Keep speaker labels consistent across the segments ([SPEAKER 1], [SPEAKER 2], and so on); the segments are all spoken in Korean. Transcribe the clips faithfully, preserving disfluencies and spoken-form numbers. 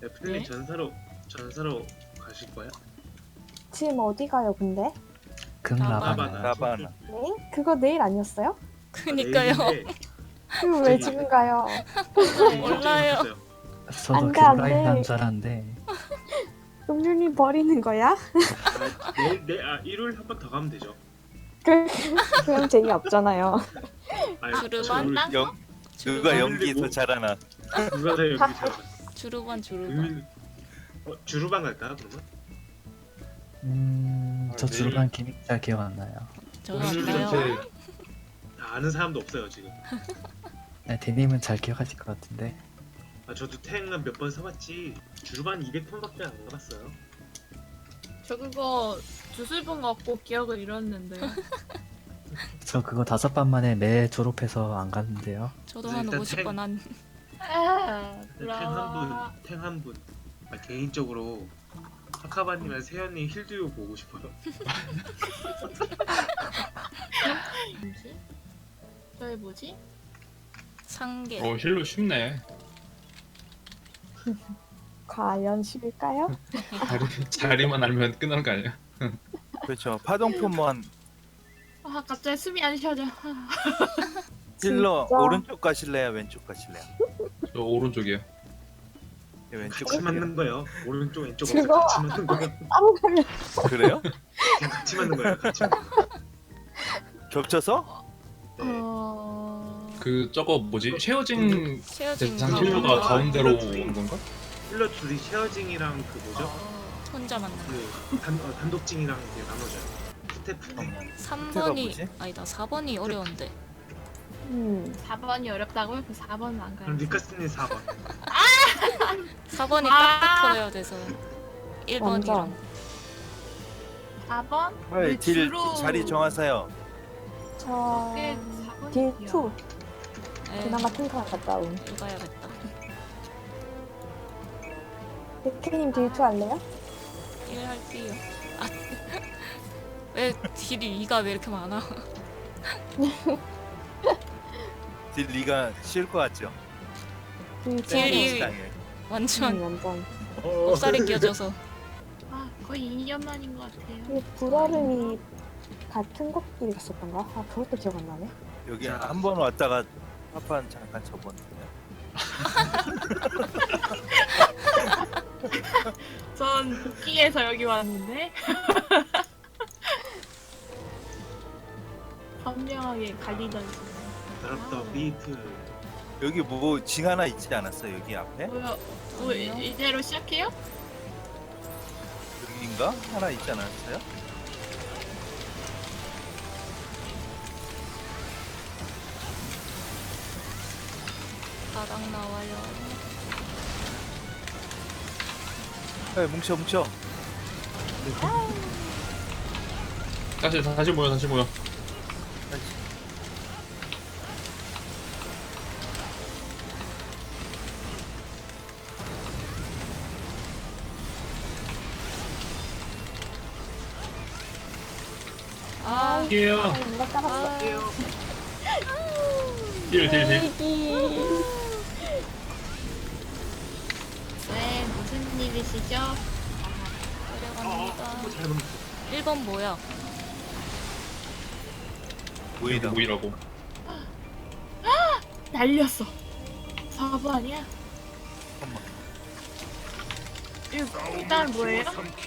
[SPEAKER 1] 애플님
[SPEAKER 2] 네?
[SPEAKER 1] 전사로 전사로 가실 거야?
[SPEAKER 3] 지금 어디 가요, 근데?
[SPEAKER 4] 극라바나.
[SPEAKER 1] 라바나.
[SPEAKER 5] 라바나.
[SPEAKER 3] 네? 그거 내일 아니었어요?
[SPEAKER 2] 그니까요.
[SPEAKER 1] 내일인데
[SPEAKER 3] 그럼 왜
[SPEAKER 1] 저기-
[SPEAKER 3] 지금 가요?
[SPEAKER 1] 갑자기
[SPEAKER 2] 몰라요.
[SPEAKER 1] 바뀌었어요.
[SPEAKER 4] 저도
[SPEAKER 3] 안 돼, 안
[SPEAKER 4] 극라인
[SPEAKER 3] 돼.
[SPEAKER 4] 남자란데.
[SPEAKER 3] 음률님 버리는 거야?
[SPEAKER 1] 아, 내일 내일 아 일요일 한 번 더 가면 되죠.
[SPEAKER 3] 그, 그럼 재미없잖아요.
[SPEAKER 1] 아니,
[SPEAKER 2] 주르반?
[SPEAKER 1] 저
[SPEAKER 5] 영 누가 연기 더 잘하나?
[SPEAKER 1] 누가 더 여기 잘
[SPEAKER 2] 주루반 주루반.
[SPEAKER 1] 의미 어, 주루방 갈까요 그러면?
[SPEAKER 4] 음, 저
[SPEAKER 1] 아, 내일-
[SPEAKER 4] 주루반 기믹 잘 기억 안 나요.
[SPEAKER 2] 저도
[SPEAKER 1] 오늘
[SPEAKER 2] 알아요.
[SPEAKER 1] 이렇게 다 아는 사람도 없어요 지금.
[SPEAKER 4] 네, 대님은 잘 기억하실 것 같은데.
[SPEAKER 1] 아 저도 탱은 몇 번 사봤지 주루반 이백 턴밖에 안 가봤어요.
[SPEAKER 6] 저 그거 두세 번 갖고 기억을 잃었는데요.
[SPEAKER 4] 저 그거 다섯 반 만에 매 졸업해서 안 갔는데요.
[SPEAKER 2] 저도
[SPEAKER 1] 네,
[SPEAKER 2] 한
[SPEAKER 1] 일단
[SPEAKER 2] 오십
[SPEAKER 1] 탱-
[SPEAKER 2] 번 한.
[SPEAKER 6] 아,
[SPEAKER 1] 탱 한 분, 탱 한 분. 아, 개인적으로 하카바님이랑 세연님 힐듀오 보고 싶어요.
[SPEAKER 6] 뭐지? 저희 뭐지?
[SPEAKER 2] 상계.
[SPEAKER 7] 어 힐로 쉽네.
[SPEAKER 3] 과연 쉽을까요?
[SPEAKER 7] 자리, 자리만 알면 끝나는 거 아니야?
[SPEAKER 5] 그렇죠. 파동포만
[SPEAKER 6] 아 갑자기 숨이 안 쉬어져. 아,
[SPEAKER 5] 힐러
[SPEAKER 3] 진짜?
[SPEAKER 5] 오른쪽 가실래요? 왼쪽 가실래요?
[SPEAKER 7] 저 오른쪽이에요.
[SPEAKER 5] 네, 왼쪽
[SPEAKER 1] 같이
[SPEAKER 5] 가실래요?
[SPEAKER 1] 맞는 거예요. 오른쪽 왼쪽 없이
[SPEAKER 3] 즐거워.
[SPEAKER 1] 같이 맞는 거예요.
[SPEAKER 3] 따로 가면
[SPEAKER 5] 그래요?
[SPEAKER 1] 그냥 같이 맞는 거예요. 같이 맞는 거.
[SPEAKER 5] 겹쳐서?
[SPEAKER 1] 네.
[SPEAKER 6] 어...
[SPEAKER 7] 그 저거 뭐지? 쉐어징
[SPEAKER 2] 쉐어진
[SPEAKER 7] 대상
[SPEAKER 2] 가고
[SPEAKER 7] 힐러가 가운데로 오는 건가?
[SPEAKER 1] 힐러 둘이 쉐어징이랑 그 뭐죠?
[SPEAKER 2] 혼자 만나.
[SPEAKER 1] 그 단, 어, 단독징이랑 이렇게 나눠져요. 스태프.
[SPEAKER 2] 삼
[SPEAKER 5] 밑에가
[SPEAKER 2] 번이
[SPEAKER 5] 뭐지?
[SPEAKER 2] 아니다. 사 번이 어려운데.
[SPEAKER 3] 음,
[SPEAKER 6] 사 번이 어렵다고요? 그 사 번은 안
[SPEAKER 1] 그럼
[SPEAKER 6] 가요.
[SPEAKER 1] 니카스님 사 번.
[SPEAKER 2] 사 번이
[SPEAKER 6] 아.
[SPEAKER 2] 딱 붙어야 돼서 일 번이랑
[SPEAKER 3] 완전.
[SPEAKER 6] 사 번?
[SPEAKER 5] 빨리 딜
[SPEAKER 6] 주로
[SPEAKER 5] 자리 정하세요.
[SPEAKER 3] 저...
[SPEAKER 6] 꽤 사 번이
[SPEAKER 3] 딜 투.
[SPEAKER 2] 에,
[SPEAKER 3] 그나마 탱크가 갔다 온.
[SPEAKER 2] 읽어야겠다.
[SPEAKER 3] 백혜님 딜 투 할래요?
[SPEAKER 2] 일 할게요. 아, 왜 딜이 이가 왜 이렇게 많아?
[SPEAKER 5] 딜 리가 쉬울 것 같죠?
[SPEAKER 3] 딜 투.
[SPEAKER 2] 딜이-
[SPEAKER 5] 시간이에요.
[SPEAKER 2] 완전
[SPEAKER 3] 음, 완전.
[SPEAKER 2] 곱살이 끼어져서.
[SPEAKER 6] 아 거의 이 년 만인 것 같아요.
[SPEAKER 3] 이 불얼음이 같은 것끼리 갔었던가? 아, 그것도 기억 안 나네.
[SPEAKER 5] 여기
[SPEAKER 1] 자.
[SPEAKER 5] 한 번 왔다가 한판 잠깐 접었는데.
[SPEAKER 6] 전 복귀해서 여기 왔는데 선명하게 갈리던
[SPEAKER 1] 더럽다 비트.
[SPEAKER 5] 여기 뭐 징 하나 있지 않았어? 여기 앞에?
[SPEAKER 6] 뭐야? 뭐 이- 이대로 시작해요?
[SPEAKER 5] 여기인가? 하나 있지 않았어요?
[SPEAKER 2] 바닥 나와요.
[SPEAKER 5] 네, 뭉쳐 뭉쳐.
[SPEAKER 7] 다시 다시 모여 다시 모여.
[SPEAKER 2] 아,
[SPEAKER 7] 힐
[SPEAKER 3] 아, 누가 따랐어.
[SPEAKER 7] 힐 힐 힐.
[SPEAKER 3] 얘기.
[SPEAKER 6] 네 무슨 일이시죠?
[SPEAKER 2] 내려갑니다.
[SPEAKER 1] 어, 잘못.
[SPEAKER 2] 일 번 뭐야?
[SPEAKER 5] 보이다.
[SPEAKER 7] 모이라고.
[SPEAKER 6] 날렸어. 사 번 아니야?
[SPEAKER 5] 잠깐만.
[SPEAKER 6] 이거 일단 뭐예요?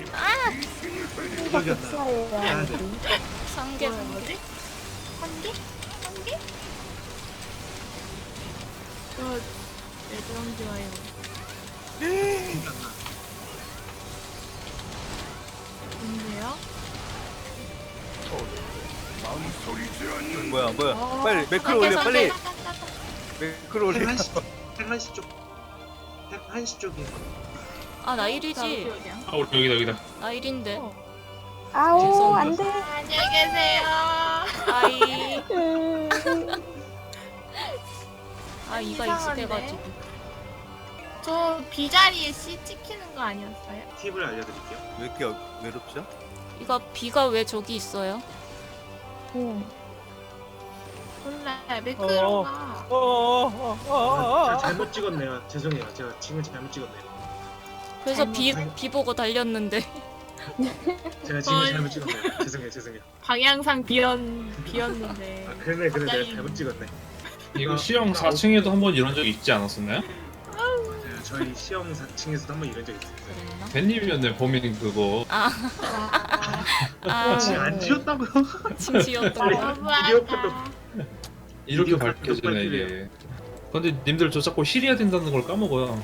[SPEAKER 3] 이거 복사예요.
[SPEAKER 1] 아, 네.
[SPEAKER 2] 상계
[SPEAKER 6] 뭐야
[SPEAKER 2] 상계.
[SPEAKER 6] 뭐지? 한 개? 한 개? 저 예전 좋아요. 뭔데요?
[SPEAKER 5] 뭐야 뭐야?
[SPEAKER 6] 어,
[SPEAKER 5] 빨리 매크로
[SPEAKER 2] 상계,
[SPEAKER 5] 올려 빨리.
[SPEAKER 2] 상계.
[SPEAKER 5] 매크로 올려.
[SPEAKER 1] 탱한시 탱한시 쪽. 탱한시 쪽이.
[SPEAKER 2] 아, 나 일이지.
[SPEAKER 7] 아 우리 여기다 여기다.
[SPEAKER 2] 나 일인데.
[SPEAKER 6] 어.
[SPEAKER 3] 아우, 안 돼.
[SPEAKER 6] 안녕히 계세요.
[SPEAKER 2] 아이.
[SPEAKER 3] 음,
[SPEAKER 2] 아, 이가
[SPEAKER 6] 이상한데?
[SPEAKER 2] 익숙해가지고.
[SPEAKER 6] 저 비자리에 C 찍히는 거 아니었어요?
[SPEAKER 1] 팁을 알려드릴게요.
[SPEAKER 5] 왜 이렇게 외롭죠?
[SPEAKER 2] 이거 비가 왜 저기 있어요?
[SPEAKER 3] 음.
[SPEAKER 6] 몰라
[SPEAKER 5] 어.
[SPEAKER 6] 매크로가
[SPEAKER 5] 어어어어어.
[SPEAKER 1] 아, 자, 잘못 찍었네요. 죄송해요. 제가 지금 잘못 찍었네요.
[SPEAKER 2] 그래서 비, 비 보고 달렸는데.
[SPEAKER 1] 제가 지금
[SPEAKER 6] 어이.
[SPEAKER 1] 잘못 찍었네요. 죄송해요, 죄송해요.
[SPEAKER 6] 방향상 비었 비었는데.
[SPEAKER 1] 아, 그러네, 그러네.
[SPEAKER 6] 갑자기.
[SPEAKER 1] 내가 잘못 찍었네.
[SPEAKER 7] 이거 시형 사 층에도 한 번 이런 적 있지 않았었나요?
[SPEAKER 1] 맞아요. 저희 시험 사 층에서도 한 번 이런 적 있어요.
[SPEAKER 2] 그랬나?
[SPEAKER 7] 벤님이었네 범인 그거.
[SPEAKER 2] 아, 아,
[SPEAKER 1] 지금 안 지웠다고요?
[SPEAKER 2] 진지였던 거.
[SPEAKER 6] 너무하다.
[SPEAKER 7] 이렇게
[SPEAKER 1] 비디오
[SPEAKER 7] 밝혀지네
[SPEAKER 1] 카톡
[SPEAKER 7] 이게. 근데 님들 저 자꾸 힐해야 된다는 걸 까먹어요.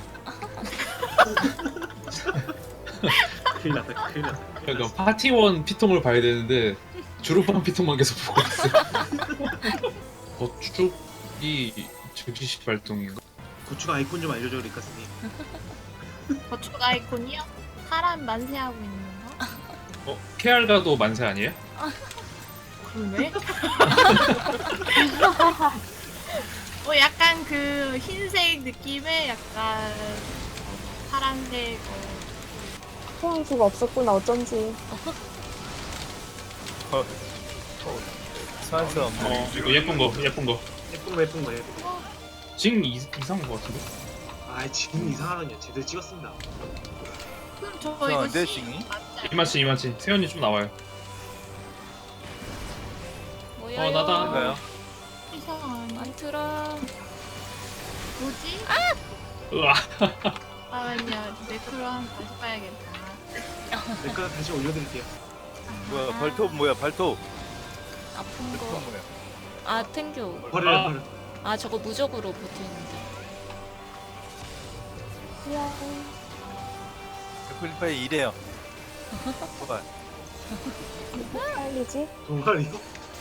[SPEAKER 1] 큰일 났다, 큰일 났다.
[SPEAKER 7] 그러니까 파티원 피통을 봐야 되는데 주루빵 피통만 계속 보고 있어요. 거축이 즉시 발동인가?
[SPEAKER 1] 고추 아이콘 좀 알려줘, 리카스님.
[SPEAKER 6] 거축 아이콘이요? 사람 만세하고 있는 거?
[SPEAKER 7] 어? 케알가도 만세 아니에요?
[SPEAKER 6] 그러네. 어 약간 그 흰색 느낌의 약간 어, 파란색 어,
[SPEAKER 3] 소환수가 없었구나 어쩐지.
[SPEAKER 5] 소환수 없는.
[SPEAKER 7] 어 이거 예쁜 거 예쁜 거.
[SPEAKER 1] 예쁜 거, 예쁜 거, 예쁜 거.
[SPEAKER 7] 징 이, 이상한 거 같은데?
[SPEAKER 1] 아, 지금 이상하군요. 제대로 찍었습니다.
[SPEAKER 6] 그럼 저
[SPEAKER 5] 저
[SPEAKER 6] 이거
[SPEAKER 5] 내
[SPEAKER 6] 씨
[SPEAKER 5] 징이?
[SPEAKER 6] 맞지 않아요?
[SPEAKER 7] 이마치 이마치 세연이 좀 나와요.
[SPEAKER 2] 뭐야?
[SPEAKER 7] 어, 나다.
[SPEAKER 5] 뭔가요?
[SPEAKER 6] 이상한
[SPEAKER 2] 많더라.
[SPEAKER 6] 뭐지?
[SPEAKER 7] 으아.
[SPEAKER 6] 잠깐만요. 매크로 한번 다시 봐야겠다.
[SPEAKER 1] 내가 다시 올려드릴게요.
[SPEAKER 5] 뭐야 발톱 뭐야 발톱?
[SPEAKER 2] 아픈
[SPEAKER 5] 발톱
[SPEAKER 2] 거.
[SPEAKER 5] 뭐야?
[SPEAKER 2] 아, 탱교.
[SPEAKER 1] 버려요,
[SPEAKER 7] 아.
[SPEAKER 1] 버려.
[SPEAKER 2] 아, 저거 무적으로 버티는데.
[SPEAKER 3] 야,
[SPEAKER 5] 애플파이 이래요. 뭐야?
[SPEAKER 3] 빨리지?
[SPEAKER 1] 동아리요?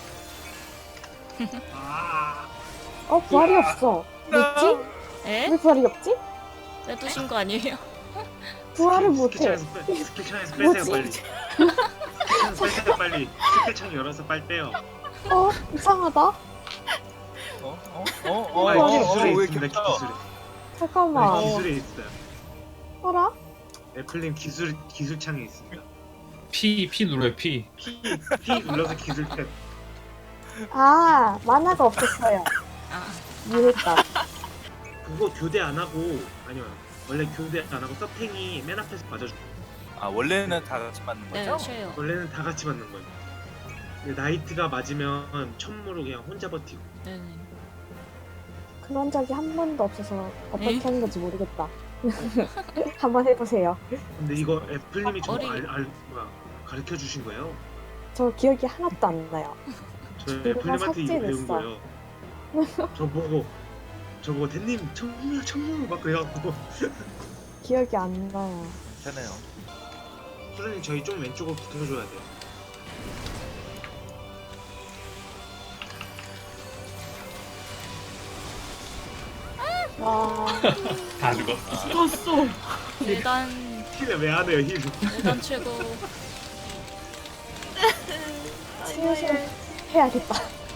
[SPEAKER 1] 아,
[SPEAKER 3] 어 부활이 없어. 뭐지?
[SPEAKER 2] 에?
[SPEAKER 3] 왜 부활이 없지?
[SPEAKER 2] 빼두신 거 아니에요?
[SPEAKER 3] 부활을 못해.
[SPEAKER 1] 스킬창에서 빼- 스킬창에서 빼세요,
[SPEAKER 3] 뭐지?
[SPEAKER 1] 빨리. 스킬창에서 빼세요, 빨리. 스킬창 열어서 빨리 빼요.
[SPEAKER 3] 어 이상하다.
[SPEAKER 5] 어? 어? 어? 어?
[SPEAKER 1] 아니,
[SPEAKER 5] 어?
[SPEAKER 1] 기술에
[SPEAKER 5] 어? 왜
[SPEAKER 1] 있습니다,
[SPEAKER 5] 이렇게
[SPEAKER 1] 기술에.
[SPEAKER 3] 잠깐만.
[SPEAKER 1] 아니, 기술에 있어요.
[SPEAKER 3] 어라?
[SPEAKER 1] 애플님 기술, 기술창에 있습니다.
[SPEAKER 7] P P 눌러요 P.
[SPEAKER 1] P, P 눌러서 기술 탭.
[SPEAKER 3] 아 만화가 없었어요.
[SPEAKER 2] 아,
[SPEAKER 3] 이해했다.
[SPEAKER 1] 그거 교대 안 하고, 아니요. 원래 교대 안 하고 서탱이 맨 앞에서 맞아줘.
[SPEAKER 5] 아 원래는 다 같이 맞는
[SPEAKER 2] 네,
[SPEAKER 5] 거죠?
[SPEAKER 2] 쉬어요.
[SPEAKER 1] 원래는 다 같이 맞는 거예요. 근데 나이트가 맞으면 천무로 그냥 혼자 버티고.
[SPEAKER 2] 네네.
[SPEAKER 3] 그런 적이 한 번도 없어서 어떻게
[SPEAKER 2] 에이?
[SPEAKER 3] 하는 건지 모르겠다. 한번 해보세요.
[SPEAKER 1] 근데 이거 애플님이 저거
[SPEAKER 2] 어리-
[SPEAKER 1] 알, 알, 뭐야, 가르쳐 주신 거예요?
[SPEAKER 3] 저 기억이 하나도 안 나요.
[SPEAKER 1] 저
[SPEAKER 3] 그거
[SPEAKER 1] 애플님한테 이거 배운
[SPEAKER 3] 삭제됐어.
[SPEAKER 1] 거예요. 저 보고 저 보고 대님 천무 천무 막 그래갖고
[SPEAKER 3] 기억이 안 나요.
[SPEAKER 5] 괜찮아요.
[SPEAKER 1] 소장님 저희 좀 왼쪽으로 붙어줘야 돼요.
[SPEAKER 3] 와
[SPEAKER 7] 다 죽었어.
[SPEAKER 6] 죽었어.
[SPEAKER 2] 일단,
[SPEAKER 1] 힐을 왜 안 해요 힐?
[SPEAKER 2] 일단 최고.
[SPEAKER 3] 슬슬 해야겠다.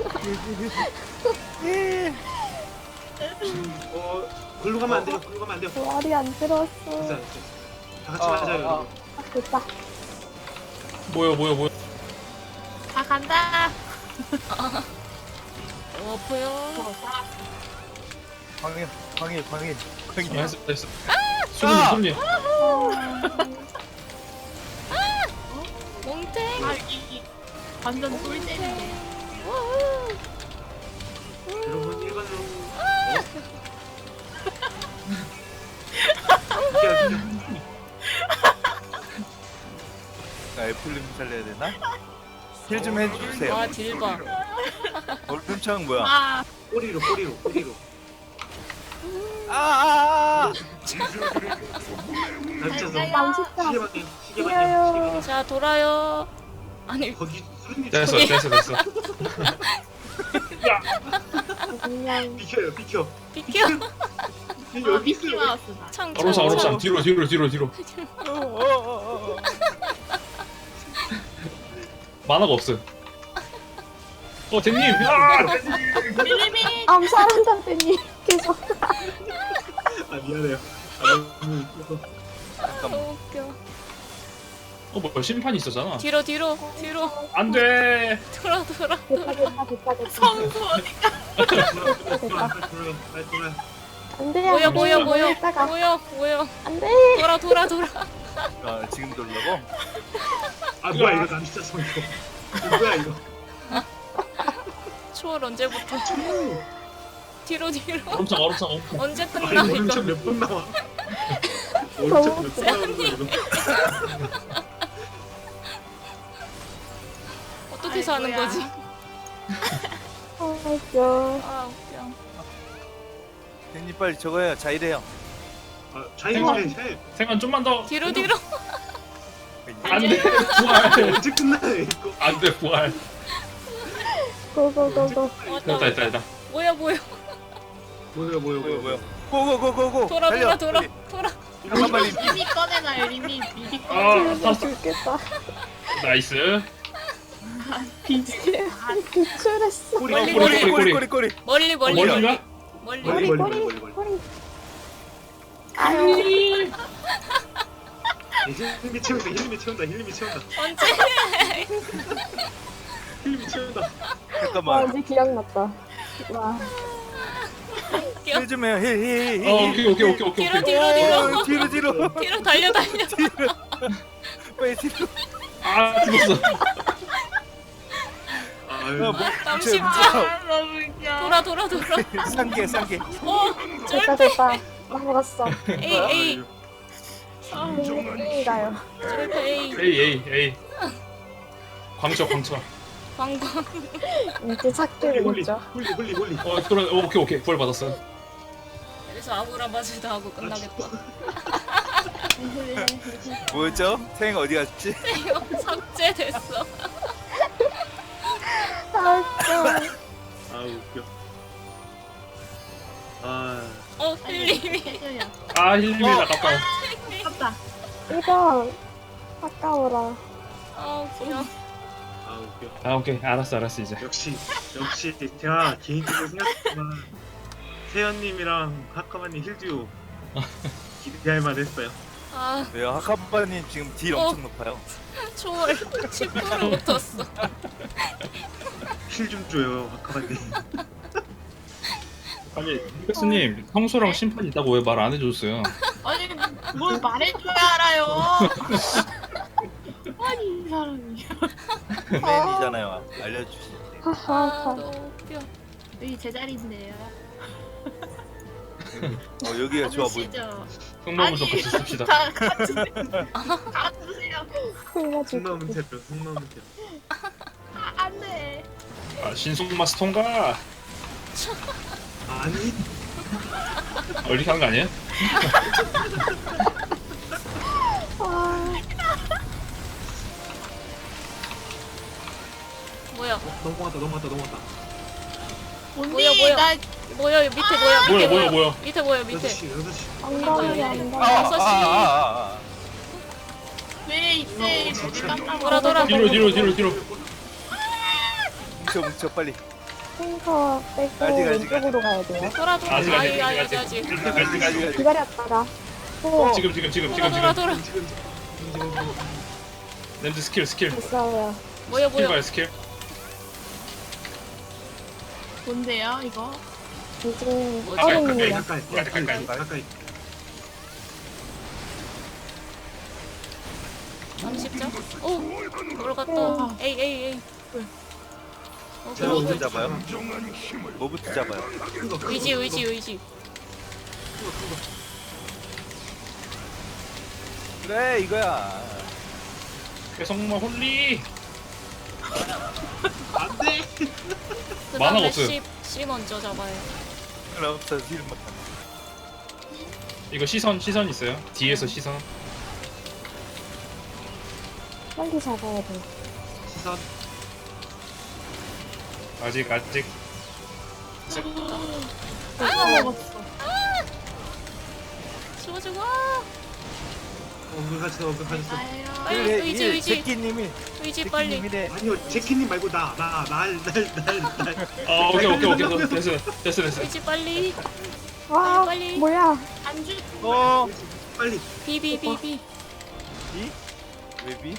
[SPEAKER 1] 어 글로 가면 안 돼요. 글로 가면 안 돼요.
[SPEAKER 3] 부활이 안 들었어.
[SPEAKER 1] 됐어 됐어. 다 같이
[SPEAKER 5] 아,
[SPEAKER 1] 맞아요
[SPEAKER 5] 아,
[SPEAKER 1] 여러분.
[SPEAKER 3] 아, 됐다.
[SPEAKER 7] 뭐야 뭐야 뭐야.
[SPEAKER 6] 다 간다.
[SPEAKER 2] 어, 보여.
[SPEAKER 5] 광일 광일 광일
[SPEAKER 7] 아,
[SPEAKER 5] 광일.
[SPEAKER 7] 했어 했어. 수님 수님.
[SPEAKER 2] 몽탱.
[SPEAKER 6] 아 이 완전 꿀잼인데.
[SPEAKER 2] 우후.
[SPEAKER 1] 여러분 일반으로. 어? 비켜 비켜.
[SPEAKER 5] 나 애플님 살려야 되나? 힐 좀 해주세요.
[SPEAKER 2] 와, 딜봐.
[SPEAKER 5] 얼음창 뭐야?
[SPEAKER 6] 아
[SPEAKER 1] 꼬리로 꼬리로 꼬리로.
[SPEAKER 5] 아아아!
[SPEAKER 1] 남쳐서
[SPEAKER 3] 망치다.
[SPEAKER 1] 시계 방향 시계 방향 시계
[SPEAKER 3] 뛰어요.
[SPEAKER 1] 방향.
[SPEAKER 2] 자, 돌아요. 아니,
[SPEAKER 1] 거기 수련님
[SPEAKER 7] 됐어 됐어 됐어.
[SPEAKER 3] 그냥
[SPEAKER 1] 비켜요 비켜.
[SPEAKER 2] 비켜.
[SPEAKER 1] 여기
[SPEAKER 6] 아, 미키
[SPEAKER 1] 있어요.
[SPEAKER 6] 마우스다.
[SPEAKER 2] 창,
[SPEAKER 7] 어로사
[SPEAKER 2] 창,
[SPEAKER 7] 어로사
[SPEAKER 2] 창.
[SPEAKER 7] 뒤로 뒤로 뒤로 뒤로.
[SPEAKER 5] 어어어어.
[SPEAKER 7] 만화가 없어. 어 댄님. 아!
[SPEAKER 6] 밀리밀리.
[SPEAKER 3] 암살한다더니 계속.
[SPEAKER 1] 아 미안해요. 아 너무 웃겨서.
[SPEAKER 5] 잠깐만.
[SPEAKER 2] 너무 웃겨.
[SPEAKER 7] 어 뭐야 심판이 있었잖아.
[SPEAKER 2] 뒤로, 뒤로, 뒤로.
[SPEAKER 7] 안돼.
[SPEAKER 2] 돌아, 돌아.
[SPEAKER 3] 됐다 됐다 됐다 됐다.
[SPEAKER 6] 성수 어디
[SPEAKER 1] 돌아 돌아 돌아 돌아 돌아.
[SPEAKER 3] 안돼.
[SPEAKER 2] 뭐야 뭐야 뭐야
[SPEAKER 3] 이따가
[SPEAKER 2] 뭐야 뭐야
[SPEAKER 3] 안돼.
[SPEAKER 2] 돌아 돌아 돌아.
[SPEAKER 5] 아 지금 돌라고?
[SPEAKER 1] 아 뭐야 이거 남자성 이거. 이거 뭐야 이거.
[SPEAKER 2] 초월 언제부터? 뒤로 뒤로.
[SPEAKER 7] 얼음창 얼음창 얼음창.
[SPEAKER 2] 언제
[SPEAKER 1] 아니
[SPEAKER 2] 끝나 이거?
[SPEAKER 1] 오른쪽 몇 번 나와. 오른쪽 몇 번 나오는 거야 이거.
[SPEAKER 2] 어떻게 사는
[SPEAKER 6] 아이고야.
[SPEAKER 2] 거지?
[SPEAKER 3] 아 웃겨.
[SPEAKER 2] 아 웃겨.
[SPEAKER 5] 형님 빨리 저거 해요. 자이래요.
[SPEAKER 1] 아 자이언 해.
[SPEAKER 7] 생각 좀만 더.
[SPEAKER 2] 뒤로 뒤로.
[SPEAKER 7] 안돼 부활.
[SPEAKER 1] 언제 끝나요 이거.
[SPEAKER 7] 안돼 부활.
[SPEAKER 3] 고고고고.
[SPEAKER 2] 왔다.
[SPEAKER 7] 됐다 됐다 됐다.
[SPEAKER 2] 뭐야 뭐야.
[SPEAKER 1] 뭐야 뭐야
[SPEAKER 5] 뭐야 뭐야? 고고고고고.
[SPEAKER 2] 돌아 돌아 돌아 돌아.
[SPEAKER 5] 잠깐만
[SPEAKER 6] 리미 꺼내놔요. 리미 미리 꺼내.
[SPEAKER 7] 아
[SPEAKER 3] 나
[SPEAKER 7] 탔어.
[SPEAKER 3] 죽겠다.
[SPEAKER 7] 나이스.
[SPEAKER 3] 기출했어.
[SPEAKER 1] 꼬리
[SPEAKER 2] 멀리,
[SPEAKER 1] 꼬리
[SPEAKER 2] 멀리.
[SPEAKER 5] 꼬리 꼬리 꼬리.
[SPEAKER 2] 멀리 멀리
[SPEAKER 7] 어, 멀리가?
[SPEAKER 2] 멀리.
[SPEAKER 1] 멀리.
[SPEAKER 3] 꼬리
[SPEAKER 1] 멀리,
[SPEAKER 3] 꼬리
[SPEAKER 1] 멀리,
[SPEAKER 3] 꼬리. 아유.
[SPEAKER 1] 힐림이 채운다 힐림이 채운다 힐림이 채운다
[SPEAKER 2] 언제?
[SPEAKER 1] 힐림이 채운다.
[SPEAKER 3] 와
[SPEAKER 5] 잠깐만.
[SPEAKER 3] 이제 기억났다. 와.
[SPEAKER 5] 힐 좀 해요. 힐힐 힐.
[SPEAKER 7] 어 오케이 오케이 오케이 오케이.
[SPEAKER 2] 뒤로
[SPEAKER 7] 오케이.
[SPEAKER 2] 뒤로 뒤로.
[SPEAKER 5] 어, 뒤로 뒤로.
[SPEAKER 2] 뒤로 달려 달려.
[SPEAKER 5] 빨리 뒤로.
[SPEAKER 7] 아 죽었어.
[SPEAKER 1] 아유
[SPEAKER 5] 어, 뭐,
[SPEAKER 2] 남십자.
[SPEAKER 6] 아, 너무 웃겨.
[SPEAKER 2] 돌아 돌아 돌아.
[SPEAKER 5] 상계 상계.
[SPEAKER 2] 어
[SPEAKER 3] 됐다
[SPEAKER 2] 쫄패.
[SPEAKER 3] 됐다. 넘어갔어.
[SPEAKER 2] 에이 에이.
[SPEAKER 3] 땡이가요.
[SPEAKER 2] 쫄패 에이.
[SPEAKER 7] 에이 에이 에이. 광쳐 광쳐.
[SPEAKER 2] 광광.
[SPEAKER 3] 이제 찾기를
[SPEAKER 1] 홀리
[SPEAKER 3] 했죠.
[SPEAKER 1] 홀리 홀리 홀리.
[SPEAKER 7] 어 돌아 어, 오케이 오케이 부활 받았어.
[SPEAKER 2] 그래서 아무나 맞을다 하고 끝나겠다.
[SPEAKER 5] 뭐였죠? 탱 어디 갔지?
[SPEAKER 2] 이거 삭제됐어.
[SPEAKER 3] 아 웃겨.
[SPEAKER 1] 아 웃겨. 아
[SPEAKER 2] 어 힐림이.
[SPEAKER 6] 해줘요.
[SPEAKER 7] 아 힐림이 아깝다.
[SPEAKER 6] 아깝다.
[SPEAKER 3] 이거 아까워라.
[SPEAKER 2] 아 웃겨.
[SPEAKER 1] 아 웃겨.
[SPEAKER 7] 아 오케이 알았어 알았어 이제.
[SPEAKER 1] 역시 역시 제가 개인적으로 생각했지만 세연님이랑 하카마님 힐듀오 기대할 만했어요.
[SPEAKER 2] 아
[SPEAKER 5] 왜요? 하카바님 지금 딜
[SPEAKER 2] 어.
[SPEAKER 5] 엄청 높아요.
[SPEAKER 2] 초월 십 퍼센트 붙었어.
[SPEAKER 1] 힐 좀 줘요 하카마님.
[SPEAKER 7] 아니 니가스님 평소랑 심판 있다고 왜 말 안 해줬어요?
[SPEAKER 6] 아니 뭘 말해줘야 알아요. 아니 이 사람이.
[SPEAKER 5] 맨이잖아요. 알려주시.
[SPEAKER 2] 아
[SPEAKER 3] 하하하.
[SPEAKER 2] 너무 웃겨.
[SPEAKER 6] 여기 제자리인데요.
[SPEAKER 5] 어 여기가 좋아 보이.
[SPEAKER 6] 아시죠?
[SPEAKER 7] 흥마문 좀 같이 씁시다.
[SPEAKER 6] 다 같이 가주세요.
[SPEAKER 3] 흘려주고.
[SPEAKER 1] 속마음 테러 속마음 테러.
[SPEAKER 6] 아, 안돼.
[SPEAKER 7] 아 신속마스 통과.
[SPEAKER 1] 아니
[SPEAKER 7] 어, 이렇게 하는 거 아니에요?
[SPEAKER 3] 아.
[SPEAKER 2] 뭐야
[SPEAKER 1] 넘어갔다 넘어갔다 넘어갔다.
[SPEAKER 6] 언니
[SPEAKER 2] 뭐야, 뭐야.
[SPEAKER 6] 나
[SPEAKER 2] 뭐야 밑에 뭐야 밑에
[SPEAKER 7] 뭐야 뭐야 뭐야.
[SPEAKER 2] 밑에 뭐야
[SPEAKER 1] 여섯
[SPEAKER 2] 밑에.
[SPEAKER 1] 시 여섯 시.
[SPEAKER 3] 엉덩이
[SPEAKER 5] 아,
[SPEAKER 3] 엉덩이.
[SPEAKER 5] 아,
[SPEAKER 2] 여섯 시.
[SPEAKER 5] 아, 아, 아.
[SPEAKER 6] 왜 이때
[SPEAKER 1] 어,
[SPEAKER 6] 머리
[SPEAKER 1] 진짜.
[SPEAKER 6] 깜빡
[SPEAKER 2] 돌아, 돌아.
[SPEAKER 7] 뒤로 뒤로 뒤로 뒤로.
[SPEAKER 5] 뭉쳐 뭉쳐 빨리.
[SPEAKER 3] 탱커 빼고
[SPEAKER 5] 아직, 아직,
[SPEAKER 3] 왼쪽으로 가야 돼요.
[SPEAKER 2] 돌아 돌아.
[SPEAKER 7] 아직,
[SPEAKER 2] 아이
[SPEAKER 7] 아직,
[SPEAKER 2] 아이
[SPEAKER 7] 아직.
[SPEAKER 2] 아직.
[SPEAKER 5] 아직 아직 아직.
[SPEAKER 3] 기다렸다가 또
[SPEAKER 7] 지금 지금 지금
[SPEAKER 2] 돌아
[SPEAKER 7] 지금
[SPEAKER 2] 돌아
[SPEAKER 7] 지금.
[SPEAKER 2] 돌아.
[SPEAKER 1] 지금 지금 지금
[SPEAKER 7] 램즈 스킬 스킬.
[SPEAKER 3] 있어요.
[SPEAKER 2] 뭐야
[SPEAKER 7] 스킬
[SPEAKER 2] 뭐야.
[SPEAKER 7] 봐요 스킬.
[SPEAKER 6] 뭔데요 이거?
[SPEAKER 3] 지금
[SPEAKER 2] 뭐지?
[SPEAKER 3] 얼음이에요.
[SPEAKER 1] 가까이
[SPEAKER 7] 가까이,
[SPEAKER 1] 가까이
[SPEAKER 7] 가까이.
[SPEAKER 1] 가까이.
[SPEAKER 2] 삼십 점? 오 들어갔다. 에이 에이 에이. 어,
[SPEAKER 1] 제가
[SPEAKER 2] 그거
[SPEAKER 5] 뭐부터
[SPEAKER 1] 오늘
[SPEAKER 5] 잡아요? 뭐부터 잡아요?
[SPEAKER 1] 큰 거, 큰 거,
[SPEAKER 2] 의지
[SPEAKER 1] 큰 거,
[SPEAKER 2] 의지 의지.
[SPEAKER 1] 큰 거, 큰 거.
[SPEAKER 5] 그래 이거야.
[SPEAKER 7] 계속마 홀리.
[SPEAKER 1] 안돼.
[SPEAKER 2] 그
[SPEAKER 7] 만화가
[SPEAKER 2] 다음에
[SPEAKER 7] 없어요.
[SPEAKER 2] C, C 먼저 잡아요.
[SPEAKER 5] 그럼 없어 딜 못한다.
[SPEAKER 7] 이거 시선 시선 있어요. 뒤에서 시선.
[SPEAKER 3] 빨리 잡아야 돼.
[SPEAKER 1] 시선.
[SPEAKER 7] 아직 아직.
[SPEAKER 6] 아 먹었어.
[SPEAKER 2] 쏘주고.
[SPEAKER 1] 어그 가졌어 어그 가졌어.
[SPEAKER 6] 나예요.
[SPEAKER 2] 빨리
[SPEAKER 5] 그래
[SPEAKER 2] 의지
[SPEAKER 5] 이
[SPEAKER 2] 의지
[SPEAKER 5] 제끼님이
[SPEAKER 2] 의지 빨리.
[SPEAKER 5] 제끼님이래.
[SPEAKER 1] 아니요 제키님 말고 나 나 날 날 날날
[SPEAKER 7] 아 오케이 오케이 오케이 됐어 됐어 됐어.
[SPEAKER 2] 의지 빨리.
[SPEAKER 3] 와
[SPEAKER 2] 빨리.
[SPEAKER 3] 뭐야?
[SPEAKER 6] 안주.
[SPEAKER 5] 어.
[SPEAKER 1] 빨리.
[SPEAKER 2] 비비비비.
[SPEAKER 5] 이? 웨비?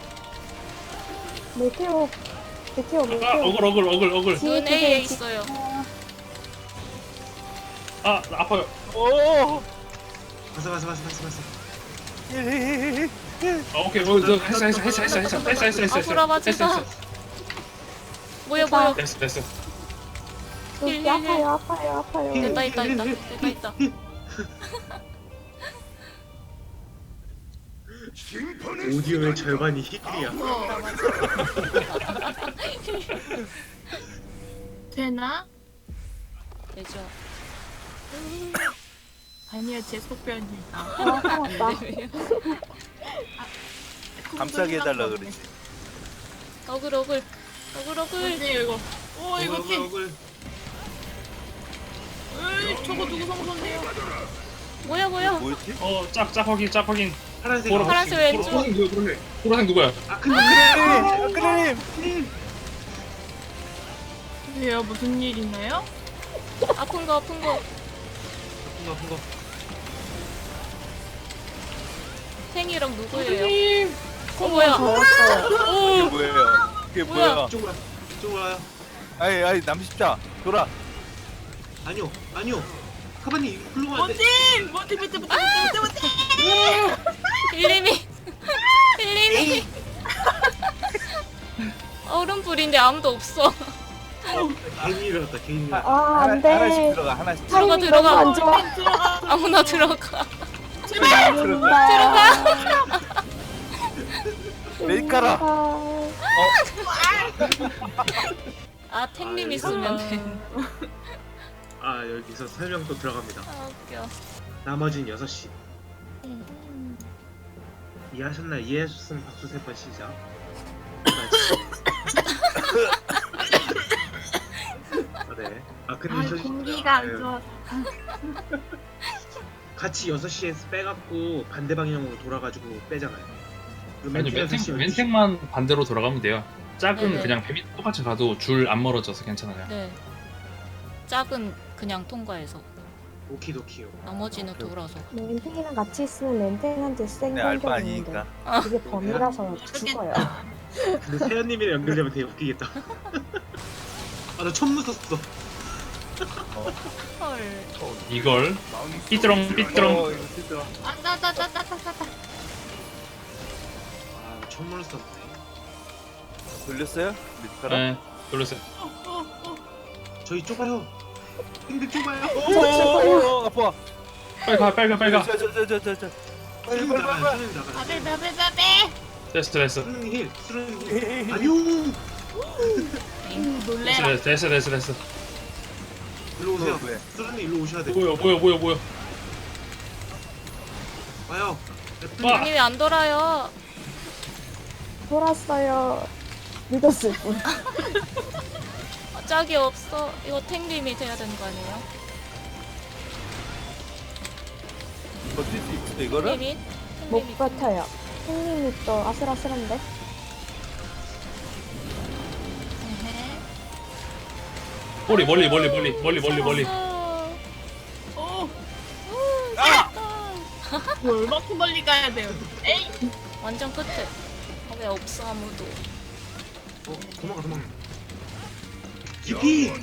[SPEAKER 3] 메테오 메테오
[SPEAKER 7] 아
[SPEAKER 3] 메테오.
[SPEAKER 7] 어글 어글 어글 어글.
[SPEAKER 3] 뒤에
[SPEAKER 2] 눈 A에
[SPEAKER 3] 뒤에
[SPEAKER 2] 있어요.
[SPEAKER 7] 아 나 아파요.
[SPEAKER 5] 오.
[SPEAKER 1] 봤어 봤어 봤어 봤어 봤어.
[SPEAKER 7] 아 오케이 어, 너 했어 했어 했어 했어 했어 했어 했어 했어
[SPEAKER 2] 아프라 맞지
[SPEAKER 7] 했어
[SPEAKER 2] 마.
[SPEAKER 7] 했어
[SPEAKER 2] 뭐야 뭐야.
[SPEAKER 7] 됐어 됐어
[SPEAKER 3] 여기
[SPEAKER 2] 힐, 힐,
[SPEAKER 3] 아파요 아파요 아파요.
[SPEAKER 2] 됐다 있다 있다 됐다 있다.
[SPEAKER 1] 오디오의 절반이 히클이야.
[SPEAKER 6] 되나?
[SPEAKER 2] 되죠.
[SPEAKER 6] 아니요, 제 소변이다.
[SPEAKER 3] 아 살았다.
[SPEAKER 5] 감싸게 해달라 그러지.
[SPEAKER 2] 어글 어글 어글 어글.
[SPEAKER 6] 뭐지 이거? 오 이거
[SPEAKER 1] 억울
[SPEAKER 6] 티.
[SPEAKER 1] 억울.
[SPEAKER 6] 으이 저거 누구 성선데요?
[SPEAKER 2] 뭐야 뭐야.
[SPEAKER 5] 뭐였지?
[SPEAKER 7] 어짝짝 확인 짝 확인
[SPEAKER 1] 파란색.
[SPEAKER 7] 보라.
[SPEAKER 2] 파란색 왼쪽.
[SPEAKER 7] 보라색 누구야 보라색 보라색 누구야
[SPEAKER 1] 아 근데 그래.
[SPEAKER 5] 그림.
[SPEAKER 6] 왜요? 무슨 일 있나요?
[SPEAKER 2] 아픈 거 아픈 거.
[SPEAKER 1] 아픈 거 아픈 거.
[SPEAKER 2] 탱이랑 누구예요? 어 뭐야?
[SPEAKER 5] 이게
[SPEAKER 2] 오
[SPEAKER 5] 뭐예요? 이게
[SPEAKER 2] 뭐야?
[SPEAKER 5] 뭐야?
[SPEAKER 1] 이쪽으로 와. 이쪽으로 와요.
[SPEAKER 5] 아이 아이 남십자 돌아.
[SPEAKER 1] 아니요 아니요. 카바님 훌륭한데.
[SPEAKER 6] 뭐지? 뭐지 뭐지 뭐지 뭐지 뭐지?
[SPEAKER 2] 일림이 일림이 얼음불인데 아무도 없어.
[SPEAKER 1] 괜히 일어났다 괜히 일어났다.
[SPEAKER 3] 아
[SPEAKER 5] 하나,
[SPEAKER 3] 안돼.
[SPEAKER 5] 하나씩 들어가 하나씩.
[SPEAKER 2] 들어가,
[SPEAKER 3] 타이밍
[SPEAKER 2] 들어가.
[SPEAKER 3] 너무 안 좋아.
[SPEAKER 2] 아무나 들어가.
[SPEAKER 3] 들어가.
[SPEAKER 5] 내일 깔아.
[SPEAKER 2] 아 탱님 있으면 돼.
[SPEAKER 1] 아 여기서 설명 또 들어갑니다.
[SPEAKER 2] 아 웃겨.
[SPEAKER 1] 나머진 여섯 시. 이해하셨나요? 이해하셨으면 박수 세 번 시작. 아, 네. 아 근데
[SPEAKER 6] 아
[SPEAKER 1] 저
[SPEAKER 6] 공기가 안
[SPEAKER 1] 네.
[SPEAKER 6] 좋아.
[SPEAKER 1] 같이 여섯 시에서 빼갖고 반대 방향으로 돌아가지고 빼잖아요. 그
[SPEAKER 7] 아니
[SPEAKER 1] 멘트 여섯 시
[SPEAKER 7] 멘탱 멘탱만 반대로 돌아가면 돼요 짝은
[SPEAKER 2] 네네.
[SPEAKER 7] 그냥 뱀이 똑같이 가도 줄 안 멀어져서 괜찮아요
[SPEAKER 2] 네. 짝은 그냥 통과해서
[SPEAKER 1] 오키도키요.
[SPEAKER 2] 나머지는 돌아서.
[SPEAKER 3] 멘탱이랑 같이 있으면 멘탱한테 센
[SPEAKER 5] 내 알바
[SPEAKER 3] 공격 있는데
[SPEAKER 5] 아니니까.
[SPEAKER 3] 그게 범이라서 죽어요.
[SPEAKER 1] 근데 세연님이랑 연결되면 되게 웃기겠다. 아 나 처음 웃었어.
[SPEAKER 2] 헐.
[SPEAKER 7] 이걸 삐뚤렁 삐뚤렁
[SPEAKER 5] 어 이거 삐뚤어.
[SPEAKER 6] 아따따따따따따.
[SPEAKER 1] 아 처음 웃었네.
[SPEAKER 5] 돌렸어요? 밑가락?
[SPEAKER 7] 네 돌렸어요
[SPEAKER 1] 저희 좁아요. 근데 좁아요.
[SPEAKER 5] 오, 아파.
[SPEAKER 7] 빨리 가 빨리 가 빨리 가
[SPEAKER 5] 저저저저저. 빨리
[SPEAKER 1] 수능
[SPEAKER 5] 빨리 빨리.
[SPEAKER 1] 나가.
[SPEAKER 5] 빨리.
[SPEAKER 1] 수능 나가.
[SPEAKER 6] 바베 바베 바베.
[SPEAKER 7] 됐어 됐어
[SPEAKER 1] 수능 힐. 수능 힐.
[SPEAKER 5] 헤헤헤.
[SPEAKER 1] 아니요.
[SPEAKER 6] 놀래라.
[SPEAKER 7] 됐어 됐어 됐어 됐어
[SPEAKER 1] 일로 오세요.
[SPEAKER 5] 왜?
[SPEAKER 1] 수능님 일로 오셔야 돼.
[SPEAKER 7] 뭐야 뭐야 뭐야 뭐야
[SPEAKER 1] 와요.
[SPEAKER 7] 와.
[SPEAKER 2] 아니 왜 안 돌아요?
[SPEAKER 3] 돌았어요. 믿었을 뿐.
[SPEAKER 2] 아, 짝이 없어. 이거 탱님이 돼야 되는 거 아니에요?
[SPEAKER 5] 버틸 수 있어 이거를?
[SPEAKER 2] 탱님이?
[SPEAKER 3] 못
[SPEAKER 2] 탱님이
[SPEAKER 3] 버텨요. 형님이 또 아슬아슬한데.
[SPEAKER 7] 멀리 멀리 멀리 멀리 멀리 멀리 멀리
[SPEAKER 2] 어,
[SPEAKER 6] 오.
[SPEAKER 5] 아!
[SPEAKER 6] 뭐 얼마큼 멀리 가야 돼요? 에이.
[SPEAKER 2] 완전 끝에. 아, 왜 없어 아무도?
[SPEAKER 1] 어 도망가 도망가. 깊이.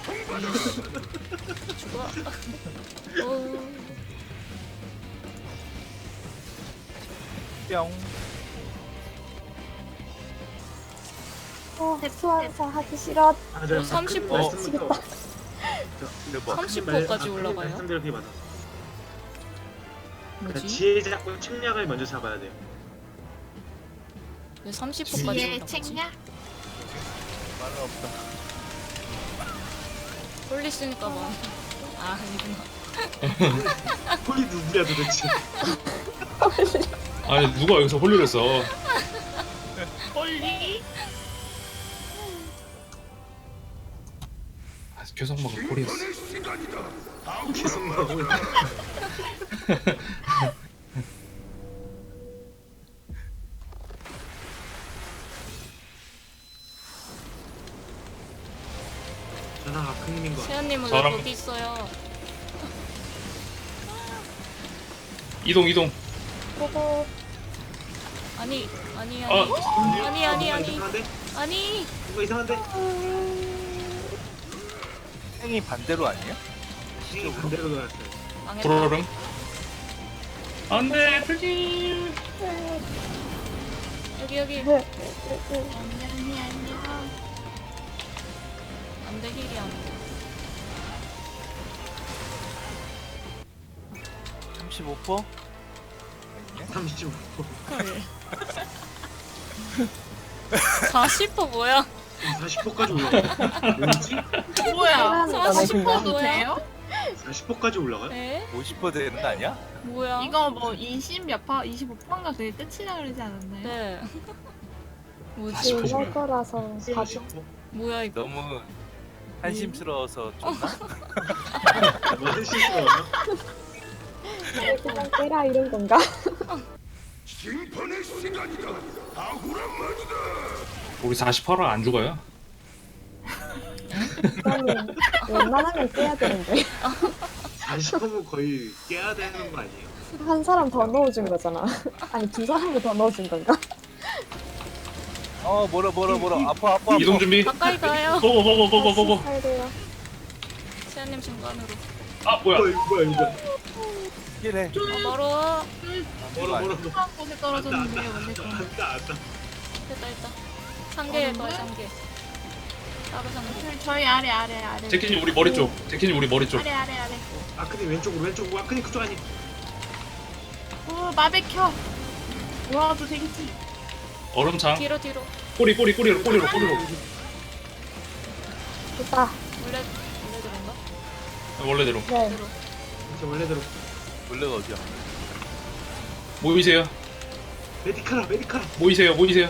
[SPEAKER 2] 죽어. 어,
[SPEAKER 5] 뿅.
[SPEAKER 3] 어, 수환사 하기 싫어.
[SPEAKER 1] 아, 저
[SPEAKER 2] 어, 삼십
[SPEAKER 1] 분
[SPEAKER 5] 분.
[SPEAKER 1] 말씀부터.
[SPEAKER 5] 대박.
[SPEAKER 2] 삼십
[SPEAKER 1] 말-
[SPEAKER 2] 호까지
[SPEAKER 1] 아,
[SPEAKER 2] 올라가요?
[SPEAKER 1] 말씀대로 그게 맞아. 그러니까
[SPEAKER 2] 뭐지?
[SPEAKER 1] 지혜 잡고 침략을 먼저 잡아야 돼요.
[SPEAKER 2] 왜 삼십 호까지
[SPEAKER 6] 뒤에
[SPEAKER 2] 올라가지?
[SPEAKER 6] 책냐?
[SPEAKER 5] 말은 없다.
[SPEAKER 2] 홀리 쓰니까 뭐. 아 아니구나.
[SPEAKER 1] 홀리 누구야 도대체?
[SPEAKER 7] 아니 누가 여기서 홀리를 했어
[SPEAKER 6] 멀리.
[SPEAKER 7] 아, 교성마가 홀이었어
[SPEAKER 1] 계속 나오고. 저는 아크님인 거.
[SPEAKER 2] 세연님은
[SPEAKER 7] 저랑-
[SPEAKER 2] 왜 거기 있어요?
[SPEAKER 7] 이동 이동
[SPEAKER 3] 보고
[SPEAKER 2] 아니 아니 아니
[SPEAKER 7] 어.
[SPEAKER 2] 아니 아니 아니
[SPEAKER 1] 이상한데?
[SPEAKER 2] 아니
[SPEAKER 1] 뭔가 이상한데?
[SPEAKER 5] 행이 반대로 아니에요?
[SPEAKER 1] 이 반대로 돌았어요.
[SPEAKER 2] 망했다.
[SPEAKER 7] 부러릉. 안돼 애플님.
[SPEAKER 2] 여기 여기.
[SPEAKER 3] 네.
[SPEAKER 6] 안녕히 안녕.
[SPEAKER 2] 안돼 힐이 안돼.
[SPEAKER 5] 삼십오 퍼센트?
[SPEAKER 1] 삼십오 퍼센트.
[SPEAKER 2] 헐. 사십 퍼센트 뭐야?
[SPEAKER 1] 사십 퍼센트까지 올라가요? 뭐지?
[SPEAKER 6] 뭐야?
[SPEAKER 3] 사람
[SPEAKER 2] 사십 퍼센트
[SPEAKER 6] 도
[SPEAKER 2] 뭐야?
[SPEAKER 6] 돼요?
[SPEAKER 1] 사십 퍼센트까지 올라가요?
[SPEAKER 2] 에?
[SPEAKER 5] 오십 퍼센트 되는 거 아니야?
[SPEAKER 2] 뭐야?
[SPEAKER 6] 이거 뭐 이십 몇 파, 이십오 파인가 그게 끝이라 그러지 않았나요?
[SPEAKER 2] 네. 뭐지?
[SPEAKER 1] 사십 퍼센트.
[SPEAKER 3] 할 거라서 사십
[SPEAKER 1] 사십 퍼센트?
[SPEAKER 2] 뭐야 이거?
[SPEAKER 5] 너무 한심스러워서 좀
[SPEAKER 1] 뭐 한심스러워요?
[SPEAKER 3] 그냥 깨라 이런 건가?
[SPEAKER 7] 우리 사십팔 화 안 죽어요?
[SPEAKER 3] 아니 웬만하면 깨야 되는데
[SPEAKER 1] 사십 퍼센트면 거의 깨야 되는 거 아니에요?
[SPEAKER 3] 한 사람 더 넣어준 거잖아. 아니 두 사람을 더 넣어준 건가?
[SPEAKER 5] 어 뭐라 뭐라 뭐라 아파 아파 아파.
[SPEAKER 7] 이동 준비.
[SPEAKER 2] 가까이 가요.
[SPEAKER 7] 고고 고고 고고 고고.
[SPEAKER 3] 잘 돼요.
[SPEAKER 2] 세연님 중간으로.
[SPEAKER 7] 아 뭐야?
[SPEAKER 1] 뭐야 이거 뭐야 이거
[SPEAKER 5] 이래.
[SPEAKER 2] 어, 멀어.
[SPEAKER 1] 뭐라 뭐라
[SPEAKER 6] 한 곳에 떨어졌는데 원래 좀.
[SPEAKER 1] 안다 안다
[SPEAKER 2] 됐다 됐다. 상 개 더, 상 개. 따로 상 개.
[SPEAKER 6] 저희- 저희 아래 아래 아래.
[SPEAKER 7] 제키님 우리 머리 쪽. 제키님 우리 머리 쪽.
[SPEAKER 6] 아래 아래 아래.
[SPEAKER 1] 아크님 왼쪽으로 왼쪽으로 아크님 그쪽 아니
[SPEAKER 6] 오 마베켜. 와도 되겠지.
[SPEAKER 7] 얼음창.
[SPEAKER 2] 뒤로 뒤로.
[SPEAKER 7] 꼬리 꼬리 꼬리로 꼬리로 꼬리로.
[SPEAKER 3] 됐다.
[SPEAKER 2] 원래 원래대로인가?
[SPEAKER 7] 원래대로.
[SPEAKER 3] 네.
[SPEAKER 2] 뒤로.
[SPEAKER 1] 이제 원래대로
[SPEAKER 5] 원래가 어디야?
[SPEAKER 7] 모이세요.
[SPEAKER 1] 메디카라 메디카라
[SPEAKER 7] 모이세요. 모이세요.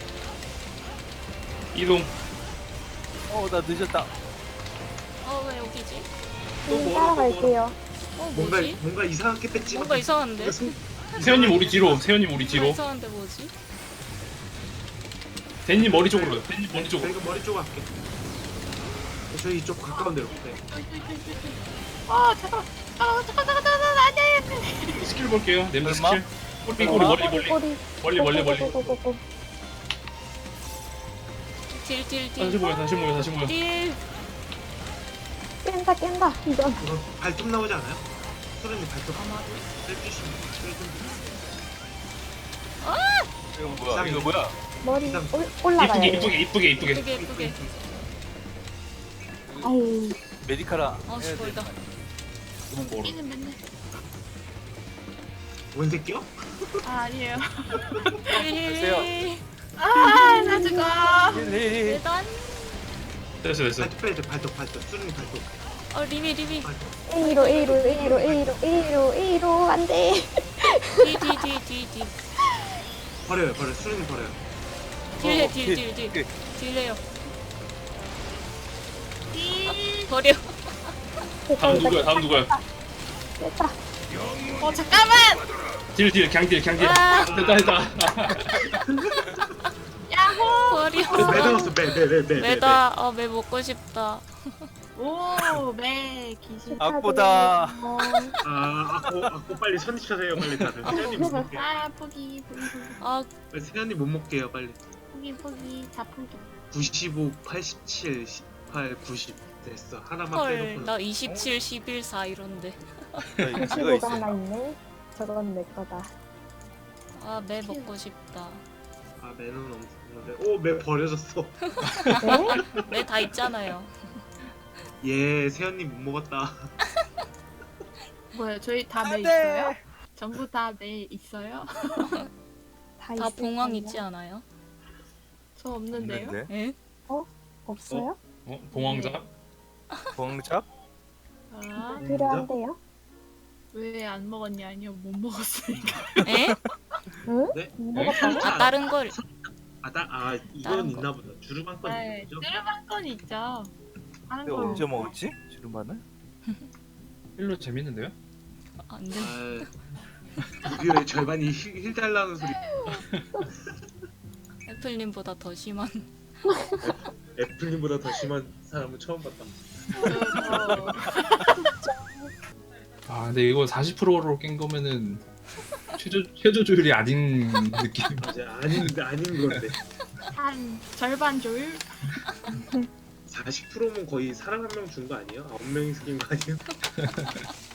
[SPEAKER 7] 이동.
[SPEAKER 5] 어 나 늦었다.
[SPEAKER 2] 어 왜 여기지?
[SPEAKER 3] 님 따라갈게요.
[SPEAKER 2] 어
[SPEAKER 1] 뭔가
[SPEAKER 2] 뭐지?
[SPEAKER 1] 뭔가 이상하게 뺐지
[SPEAKER 2] 뭔가 이상한데?
[SPEAKER 7] 세연님 우리 뒤로. 세연님 우리
[SPEAKER 2] 뭔가
[SPEAKER 7] 뒤로.
[SPEAKER 2] 이상한데 뭐지?
[SPEAKER 7] 댄님 머리 쪽으로 가요. 댄님 머리 쪽으로.
[SPEAKER 1] 저희가 머리 쪽 할게 저희 이쪽 가까운 데로 네.
[SPEAKER 6] 어 잠깐. 아 잠깐 잠깐 잠깐 안돼.
[SPEAKER 7] 스킬 볼게요. 냄새
[SPEAKER 5] 얼마?
[SPEAKER 7] 스킬. 꼬리 꼬리 멀리 멀리.
[SPEAKER 3] 꼬리.
[SPEAKER 7] 멀리 멀리 멀리.
[SPEAKER 3] 꼬꼬꼬꼬꼬.
[SPEAKER 2] 딜딜
[SPEAKER 7] 다시
[SPEAKER 2] 딜.
[SPEAKER 7] 모여 다시 모여 다시 모여.
[SPEAKER 2] 딜.
[SPEAKER 3] 깬다 깬다 이건.
[SPEAKER 1] 이거 발톱 나오지 않아요? 소련님 발톱
[SPEAKER 2] 아마도.
[SPEAKER 1] 빼주시면
[SPEAKER 5] 이거 뭐야? 이거 뭐야?
[SPEAKER 3] 머리
[SPEAKER 1] 이상.
[SPEAKER 3] 올, 올라가요.
[SPEAKER 7] 이쁘게 이쁘게 이쁘게 이쁘게.
[SPEAKER 2] 예쁘게 예쁘게.
[SPEAKER 3] 아유
[SPEAKER 5] 메디카라.
[SPEAKER 2] 어
[SPEAKER 5] 해야 돼.
[SPEAKER 2] 멀다.
[SPEAKER 7] 너무 멀어.
[SPEAKER 6] 이는 맨날.
[SPEAKER 1] 뭔 새끼요?
[SPEAKER 6] 아 아니에요.
[SPEAKER 2] 힐.
[SPEAKER 6] 아나 죽어.
[SPEAKER 5] 힐, 힐, 힐.
[SPEAKER 2] 일단.
[SPEAKER 7] 됐어 됐어.
[SPEAKER 1] 발톱 빼야 돼 발톱 발톱 소련님 발톱
[SPEAKER 2] 어 리미 리미.
[SPEAKER 3] A로 A로 A로 A로 A로 A로 안돼.
[SPEAKER 2] 뒤뒤뒤뒤뒤.
[SPEAKER 1] 버려요 버려 소련님 버려요
[SPEAKER 2] 딜해
[SPEAKER 5] 어,
[SPEAKER 2] 딜
[SPEAKER 5] 힐,
[SPEAKER 2] 딜 딜.
[SPEAKER 5] 힐.
[SPEAKER 2] 딜해요.
[SPEAKER 6] 이.
[SPEAKER 2] 버려.
[SPEAKER 3] 됐다
[SPEAKER 7] 다음
[SPEAKER 3] 됐다
[SPEAKER 7] 누구야? 다음 누구야?
[SPEAKER 3] 됐다.
[SPEAKER 6] 어 잠깐만.
[SPEAKER 7] 딜딜 강딜 강딜.
[SPEAKER 2] 아.
[SPEAKER 7] 됐다 됐다.
[SPEAKER 6] 야호.
[SPEAKER 2] 버려.
[SPEAKER 1] 매 나왔어 매매매매
[SPEAKER 2] 매다. 어매 먹고 싶다.
[SPEAKER 6] 오매 기술.
[SPEAKER 5] 악보다.
[SPEAKER 1] 아 아코 아코 빨리 선입하세요 빨리 다들 세연님 못 먹게
[SPEAKER 6] 아 포기 포기 포기
[SPEAKER 2] 아
[SPEAKER 1] 빨리 세연님 못 먹게요 빨리
[SPEAKER 6] 포기 포기 다 포기.
[SPEAKER 1] 구십오 팔십칠 십팔 구십 됐어 하나만
[SPEAKER 2] 헐.
[SPEAKER 1] 빼놓고
[SPEAKER 2] 나 이십칠, 십일, 사 이런데.
[SPEAKER 5] 이거
[SPEAKER 3] 구십오가
[SPEAKER 5] 있어.
[SPEAKER 3] 하나 있네. 저건 내 거다.
[SPEAKER 2] 아 매 먹고 싶다.
[SPEAKER 1] 아 매는 없는데 오매 버려졌어
[SPEAKER 3] 네?
[SPEAKER 2] 매 다 있잖아요.
[SPEAKER 1] 예 세연님 못 먹었다
[SPEAKER 6] 뭐야 저희 다 매
[SPEAKER 5] 안 돼.
[SPEAKER 6] 있어요? 전부 다 매 있어요?
[SPEAKER 3] 다,
[SPEAKER 2] 다
[SPEAKER 3] 있을
[SPEAKER 2] 봉황
[SPEAKER 3] 거예요.
[SPEAKER 2] 있지 않아요?
[SPEAKER 6] 저 없는데요?
[SPEAKER 5] 있는데?
[SPEAKER 2] 에?
[SPEAKER 3] 없어요?
[SPEAKER 7] 어? 봉황자?
[SPEAKER 5] 봉잡?
[SPEAKER 6] 아,
[SPEAKER 3] 필요한데요?
[SPEAKER 6] 왜 안 먹었냐? 아니요 못 먹었으니까.
[SPEAKER 2] 에?
[SPEAKER 3] 응?
[SPEAKER 1] 네?
[SPEAKER 3] 못 먹었다고?
[SPEAKER 2] 아 다른 걸.
[SPEAKER 1] 아나 아
[SPEAKER 2] 다른
[SPEAKER 1] 이거는
[SPEAKER 2] 거.
[SPEAKER 1] 있나 보다 주르방 건
[SPEAKER 6] 네,
[SPEAKER 1] 있죠?
[SPEAKER 6] 뚜르만 건 있죠. 하는
[SPEAKER 5] 내가
[SPEAKER 6] 거.
[SPEAKER 5] 언제 먹었지? 주름반을?
[SPEAKER 7] 일로 재밌는데요?
[SPEAKER 2] 안 돼.
[SPEAKER 1] 아 무기의 절반이 힐, 힐 달라는 소리
[SPEAKER 2] 애플님보다 더 심한.
[SPEAKER 1] 애플님보다 더 심한 사람은 처음 봤다
[SPEAKER 6] 어,
[SPEAKER 7] 아 근데 이거 사십 퍼센트로 깬 거면은 최저 최저 조율이 아닌 느낌.
[SPEAKER 1] 맞아 아닌 아닌 건데
[SPEAKER 6] 한 절반 조율?
[SPEAKER 1] 사십 퍼센트면 거의 사람 한 명 준 거 아니에요? 아홉 명이 죽인 거 아니에요?